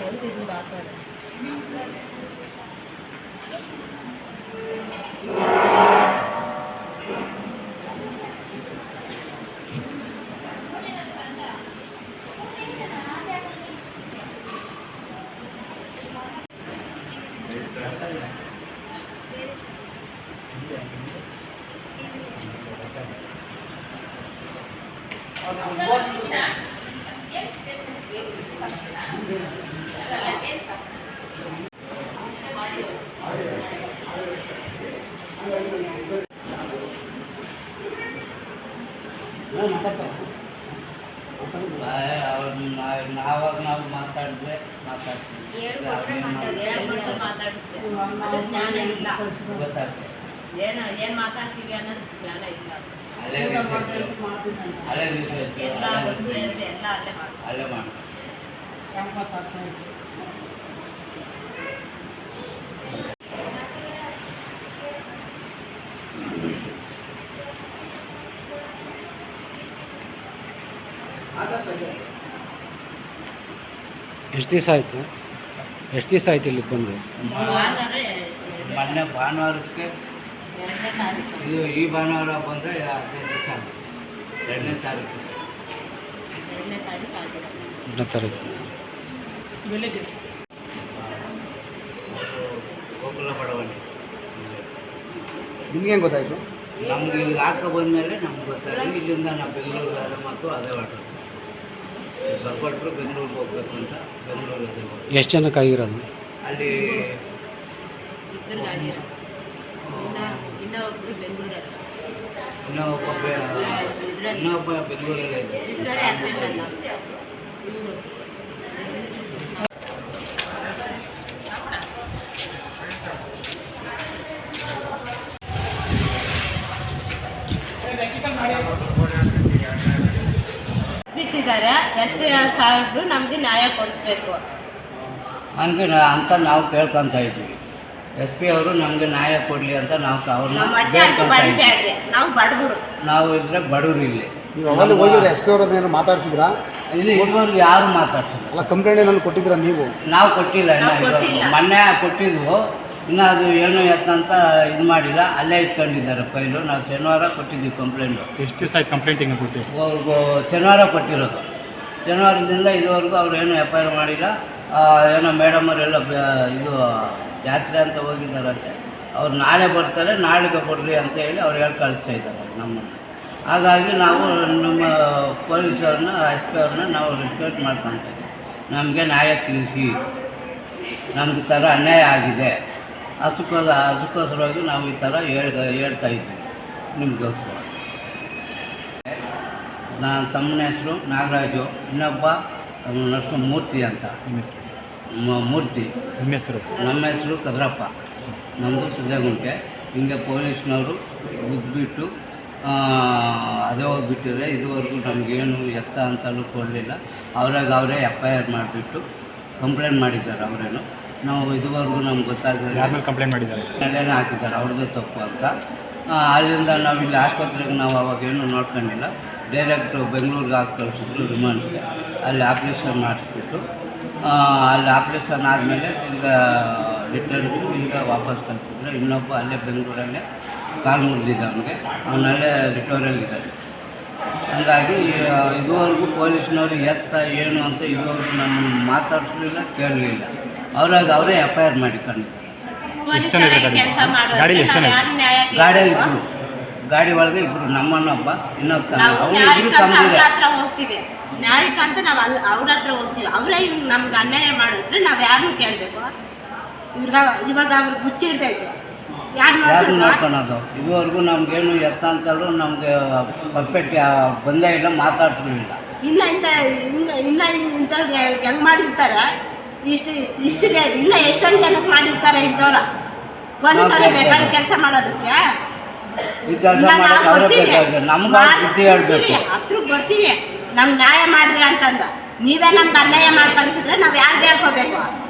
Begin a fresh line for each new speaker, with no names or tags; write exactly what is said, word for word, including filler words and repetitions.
ನಾವಾಗ ನಾವು ಮಾತಾಡಿದ್ರೆ ಮಾತಾಡ್ತೀವಿ ಗೊತ್ತಾಗ್ತದೆ
ಏನು ಏನು ಮಾತಾಡ್ತೀವಿ ಅನ್ನೋದು ಜ್ಞಾನ ಇಲ್ಲ.
ಅಲ್ಲೇ ಅಲ್ಲೇ
ಎಲ್ಲ ಒಂದು ಎರಡು ಎಲ್ಲ ಅಲ್ಲೇ ಮಾಡ್ತೀವಿ
ಅಲ್ಲೇ ಮಾಡಿ
ಎಷ್ಟು ದಿವಸ ಆಯಿತು ಎಷ್ಟು ದಿವಸ ಆಯ್ತು ಇಲ್ಲಿಗೆ ಬಂದು?
ಮೊನ್ನೆ ಭಾನುವಾರಕ್ಕೆ ಇದು ಈ ಭಾನುವಾರ ಬಂದರೆ ಹದಿನೈದು ದಿವಸ ಎರಡನೇ ತಾರೀಕು
ಎರಡನೇ ತಾರೀಕು ಆಗಿದೆ.
ಎರಡನೇ ತಾರೀಕು
ಗೋಕುಲ ಬಡಾವಣೆ.
ನಿಮ್ಗೆ ಹೆಂಗೆ ಗೊತ್ತಾಯಿತು?
ನಮ್ಗೆ ಇಲ್ಲಿ ಹಾಕೋ ಬಂದಮೇಲೆ ನಮ್ಗೆ ಗೊತ್ತಾಯಿತು. ಇಲ್ಲಿಂದ ನಾವು ಬೆಂಗಳೂರು ಮತ್ತು ಅದೇ ಹೊರಟು ಬರ್ಕೊಟ್ರು ಬೆಂಗಳೂರಿಗೆ ಹೋಗ್ಬೇಕು ಅಂತ ಬೆಂಗಳೂರಿಗೆ
ಎಷ್ಟು ಜನಕ್ಕೆ ಆಗಿರೋದು?
ಅಲ್ಲಿ
ಇಬ್ಬರಿಗಾಗಿರೋ ಇನ್ನು ಇನ್ನೂ ಒಬ್ಬರು ಬೆಂಗಳೂರಲ್ಲಿ
ಇನ್ನೊಬ್ಬ ಇನ್ನೊಬ್ಬ ಬೆಂಗಳೂರಲ್ಲೇ ಇದೆ.
ಇಬ್ಬರೇ ಹಸ್ಬೆಂಡ್ ಅಲ್ಲ ಇವರು ಬಿಟ್ಟಿದ್ದಾರೆ. ಎಸ್ ಪಿ ಸಾಹೇಬರು ನಮಗೆ ನ್ಯಾಯ ಕೊಡಿಸ್ಬೇಕು
ಹಂಗೆ ಅಂತ ನಾವು ಕೇಳ್ಕೊತ ಇದ್ವಿ. ಎಸ್ ಪಿ ಅವರು ನಮಗೆ ನ್ಯಾಯ ಕೊಡಲಿ ಅಂತ ನಾವು ಅವ್ರನ್ನ
ಬಡಿಬೇಡ್ರಿ, ನಾವು ಬಡವರು,
ನಾವು ಇದ್ರೆ ಬಡವರು. ಇಲ್ಲಿ
ನೀವು ಅವಾಗ ಹೋಗಿದ್ರೆ ಎಸ್ ಪಿ ಅವ್ರ ಏನಾದ್ರು ಮಾತಾಡ್ಸಿದ್ರಾ?
ಇಲ್ಲಿ ಇದುವರೆಗೂ ಯಾರು ಮಾತಾಡ್ಸಿಲ್ಲ.
ಅಲ್ಲ, ಕಂಪ್ಲೇಂಟ್ ಏನಾದ್ರು ಕೊಟ್ಟಿದ್ದೀರಾ ನೀವು?
ನಾವು ಕೊಟ್ಟಿಲ್ಲ. ಇನ್ನು ಮೊನ್ನೆ ಕೊಟ್ಟಿದ್ವು, ಇನ್ನು ಅದು ಏನು ಎತ್ತಂತ ಇದು ಮಾಡಿಲ್ಲ, ಅಲ್ಲೇ ಇಟ್ಕೊಂಡಿದ್ದಾರೆ ಫೈಲು. ನಾವು ಶನಿವಾರ ಕೊಟ್ಟಿದ್ವಿ ಕಂಪ್ಲೇಂಟು.
ಎಷ್ಟು ದಿವಸ ಆಯ್ತು ಕಂಪ್ಲೇಂಟಿಂಗ್ ಕೊಟ್ಟು?
ಶನಿವಾರ ಕೊಟ್ಟಿರೋದು. ಶನಿವಾರದಿಂದ ಇದುವರೆಗೂ ಅವ್ರು ಏನು ಎಫ್ ಐ ಆರ್ ಮಾಡಿಲ್ಲ. ಏನೋ ಮೇಡಮವರೆಲ್ಲ ಇದು ಜಾತ್ರೆ ಅಂತ ಹೋಗಿದ್ದಾರಂತೆ. ಅವ್ರು ನಾಳೆ ಬರ್ತಾರೆ, ನಾಳೆಗೆ ಕೊಡ್ರಿ ಅಂತ ಹೇಳಿ ಅವ್ರು ಹೇಳಿ ಕಳಿಸ್ತಾ ಇದ್ದಾರೆ ನಮ್ಮನ್ನು. ಹಾಗಾಗಿ ನಾವು ನಮ್ಮ ಪೊಲೀಸವ್ರನ್ನ ಎಸ್ ಪಿ ಅವ್ರನ್ನ ನಾವು ರಿಕ್ವೆಸ್ಟ್ ಮಾಡ್ಕೊತೀವಿ, ನಮಗೆ ನ್ಯಾಯ ತಿಳಿಸಿ, ನಮ್ಗೆ ಈ ಥರ ಅನ್ಯಾಯ ಆಗಿದೆ, ಹಸುಕೋದ ಹಸುಕೋಸ್ಕರವಾಗಿ ನಾವು ಈ ಥರ ಹೇಳ್ ಹೇಳ್ತಾ ಇದ್ವಿ ನಿಮಗೋಸ್ಕರ. ನನ್ನ ತಮ್ಮನ ಹೆಸರು ನಾಗರಾಜು, ಇನ್ನೊಬ್ಬ ನರ್ಸು ಮೂರ್ತಿ ಅಂತ. ಮೂರ್ತಿ
ನಿಮ್ಮ ಹೆಸರು?
ನಮ್ಮ ಹೆಸರು ಕದ್ರಪ್ಪ, ನಮ್ಮದು ಸುದ್ದಿಗುಂಟೆ. ಹಿಂಗೆ ಪೊಲೀಸ್ನವರು ಬಿದ್ದುಬಿಟ್ಟು ಅದೇ ಹೋಗಿಬಿಟ್ಟಿದ್ರೆ ಇದುವರೆಗೂ ನಮಗೇನು ಎತ್ತ ಅಂತಲೂ ಕೊಡಲಿಲ್ಲ. ಅವ್ರಾಗ ಅವರೇ ಎಫ್ ಐ ಆರ್ ಮಾಡಿಬಿಟ್ಟು ಕಂಪ್ಲೇಂಟ್ ಮಾಡಿದ್ದಾರೆ ಅವರೇನು. ನಾವು ಇದುವರೆಗೂ ನಮ್ಗೆ ಗೊತ್ತಾಗದೆ
ಯಾರು ಕಂಪ್ಲೇಂಟ್ ಮಾಡಿದ್ದಾರೆ
ನೆಲೆನೇ ಹಾಕಿದ್ದಾರೆ ಅವ್ರದ್ದೇ ತಪ್ಪು ಅಂತ. ಅಲ್ಲಿಂದ ನಾವು ಇಲ್ಲಿ ಆಸ್ಪತ್ರೆಗೆ ನಾವು ಅವಾಗೇನು ನೋಡ್ಕೊಂಡಿಲ್ಲ, ಡೈರೆಕ್ಟು ಬೆಂಗಳೂರಿಗೆ ಹಾಕಿ ಕಳಿಸಿದ್ರು ರಿಮಾಂಡ್ಗೆ. ಅಲ್ಲಿ ಆಪ್ರೇಷನ್ ಮಾಡಿಸ್ಬಿಟ್ಟು ಅಲ್ಲಿ ಆಪ್ರೇಷನ್ ಆದಮೇಲೆ ತಿರ್ಗಾ ರಿಟರ್ನ್ ಈಗ ವಾಪಸ್ ಕಳಿಸಿದ್ರು. ಇನ್ನೊಬ್ಬ ಅಲ್ಲೇ ಬೆಂಗಳೂರಲ್ಲೇ ಕಾಲು ಮುರಿದಿದ್ದ ಅವನಿಗೆ, ಅವನಲ್ಲೇ ರಿಟೋರಲ್ಲಿದ್ದಾನೆ. ಹಾಗಾಗಿ ಇದುವರೆಗೂ ಪೊಲೀಸ್ನವರು ಎತ್ತ ಏನು ಅಂತ ಇದುವರೆಗೂ ನಮ್ಮ ಮಾತಾಡಿಸಲಿಲ್ಲ, ಕೇಳಲಿಲ್ಲ. ಅವ್ರಾಗ ಅವರೇ ಎಫ್ ಐ ಆರ್ ಮಾಡಿಕೊಂಡಿದ್ದಾರೆ. ಗಾಡಿಯಲ್ಲಿ ಇಬ್ಬರು, ಗಾಡಿ ಒಳಗೆ ಇಬ್ಬರು, ನಮ್ಮನ್ನೊಬ್ಬ ಇನ್ನೊಬ್ಬ ಅವನು ಇಬ್ಬರು ತಂದಿದೆ.
ಹೋಗ್ತೀವಿ ನ್ಯಾಯಕ್ಕಂತ ನಾವು ಅಲ್ಲಿ ಅವ್ರ ಹತ್ರ ಹೋಗ್ತೀವಿ. ಅವರೇ ಇವ್ರು ನಮ್ಗೆ ಅನ್ಯಾಯ ಮಾಡಿದ್ರೆ ನಾವು ಯಾರನ್ನು ಕೇಳಬೇಕು? ಇವ್ರ ಇವಾಗ ಅವ್ರಿಗೆ ಮುಚ್ಚಿಡ್ತೈತೆ, ಯಾರು
ಯಾರು ನೋಡ್ಕೊಳೋದು? ಇದುವರೆಗೂ ನಮಗೇನು ಎತ್ತ ಅಂತಲೂ ನಮಗೆ ಪರ್ಫೆಕ್ಟ್ ಬಂದೇ ಇಲ್ಲ, ಮಾತಾಡ್ಸಲಿಲ್ಲ.
ಇಲ್ಲ ಇಂಥ ಹಿಂಗೆ ಇಲ್ಲ ಇಂಥವ್ರಿಗೆ ಹೆಂಗೆ ಮಾಡಿರ್ತಾರೆ ಇಷ್ಟು ಇಷ್ಟಿಗೆ ಇಲ್ಲ ಎಷ್ಟೊಂದು ಜನಕ್ಕೆ ಮಾಡಿರ್ತಾರೆ ಇಂಥವ್ರ. ಪೊಲೀಸರು ಬೇಕಾದ್ರೆ ಕೆಲಸ ಮಾಡೋದಕ್ಕೆ
ಈ ಕೆಲಸ ಮಾಡೋಕ್ಕೆ ಅವರೇ ಬೇಕಾಗಿದೆ. ನಮ್ಗೆ ಬುದ್ಧಿ ಹೇಳ್ಬೇಕು,
ಹತ್ರಕ್ಕೆ ಬರ್ತೀವಿ, ನಮ್ಗೆ ನ್ಯಾಯ ಮಾಡ್ರಿ ಅಂತಂದು. ನೀವೇ ನಮ್ಗೆ ಅನ್ಯಾಯ ಮಾಡಿ ಕಳಿಸಿದ್ರೆ ನಾವು ಯಾರಿಗೆ ಹೇಳ್ಕೋಬೇಕು?